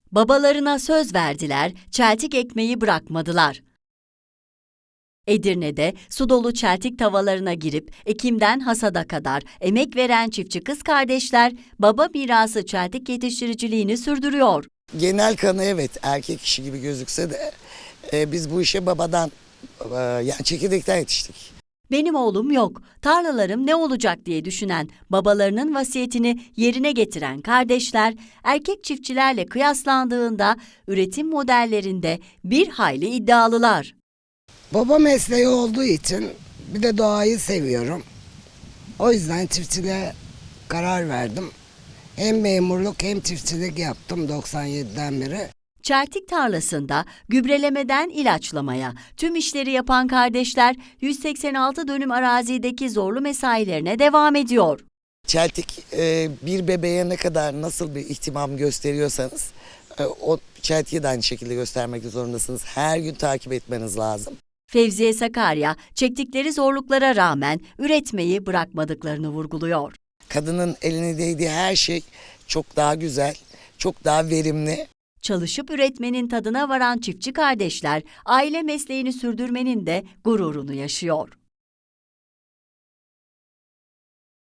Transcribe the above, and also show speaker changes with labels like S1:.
S1: Babalarına söz verdiler, çeltik ekmeği bırakmadılar. Edirne'de su dolu çeltik tavalarına girip ekimden hasada kadar emek veren çiftçi kız kardeşler baba mirası çeltik yetiştiriciliğini sürdürüyor.
S2: Genel kanı evet erkek işi gibi gözükse de biz bu işe babadan yani çekirdekten yetiştik.
S1: Benim oğlum yok, tarlalarım ne olacak diye düşünen, babalarının vasiyetini yerine getiren kardeşler, erkek çiftçilerle kıyaslandığında üretim modellerinde bir hayli iddialılar.
S3: Baba mesleği olduğu için bir de doğayı seviyorum. O yüzden çiftçiliğe karar verdim. Hem memurluk hem çiftçilik yaptım 97'den beri.
S1: Çeltik tarlasında gübrelemeden ilaçlamaya tüm işleri yapan kardeşler 186 dönüm arazideki zorlu mesailerine devam ediyor.
S2: Çeltik bir bebeğe ne kadar nasıl bir ihtimam gösteriyorsanız o çeltiği de aynı şekilde göstermek zorundasınız. Her gün takip etmeniz lazım.
S1: Fevziye Sakarya çektikleri zorluklara rağmen üretmeyi bırakmadıklarını vurguluyor.
S2: Kadının eline değdiği her şey çok daha güzel, çok daha verimli.
S1: Çalışıp üretmenin tadına varan çiftçi kardeşler aile mesleğini sürdürmenin de gururunu yaşıyor.